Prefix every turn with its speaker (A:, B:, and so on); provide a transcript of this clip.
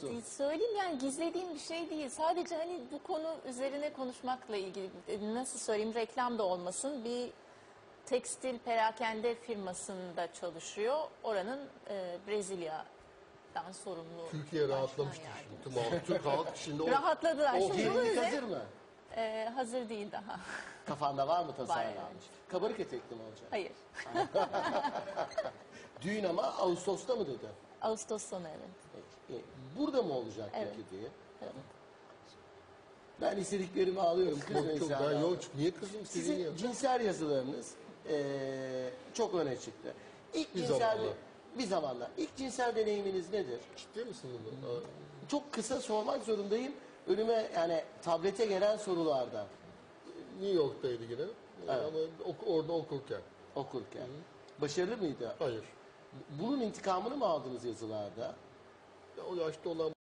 A: Söyleyeyim, yani gizlediğim bir şey değil. Sadece hani bu konu üzerine konuşmakla ilgili, nasıl söyleyeyim, reklam da olmasın. Bir tekstil perakende firmasında çalışıyor. Oranın Brezilya'dan sorumlu.
B: Türkiye rahatlamıştır şimdi. Türk halk şimdi o...
A: Rahatladılar.
C: O
A: Şimdi bunun
C: gelinlik
A: üzerine-
C: hazır mı?
A: Hazır değil daha.
C: Kafanda var mı tasarlanmış?
A: Var, evet.
C: Kabarık etekli mi olacak?
A: Hayır.
C: Düğün ama Ağustos'ta mı dedi?
A: Ağustos sonu, evet.
C: Burada mı olacak
A: Evet.
C: peki diye.
A: Evet.
C: Ben istediklerimi alıyorum.
B: Çok
C: Kızmayın
B: ben
C: sen.
B: yok. Niye kızım
C: Sizin
B: ya?
C: cinsel yazılarınız çok öne çıktı. İlk
B: Bir
C: cinsel
B: zamanlar.
C: bir zamanlar. İlk cinsel deneyiminiz nedir?
B: Ciddi misin bunu?
C: Çok kısa sormak zorundayım. Önüme yani tablete gelen sorulardan
B: New York'taydı yine.
C: Evet.
B: Ama orada okurken.
C: okurken. Başarılı mıydı?
B: Hayır.
C: Bunun intikamını mı aldınız yazılarda?
B: Ya o yaşta olan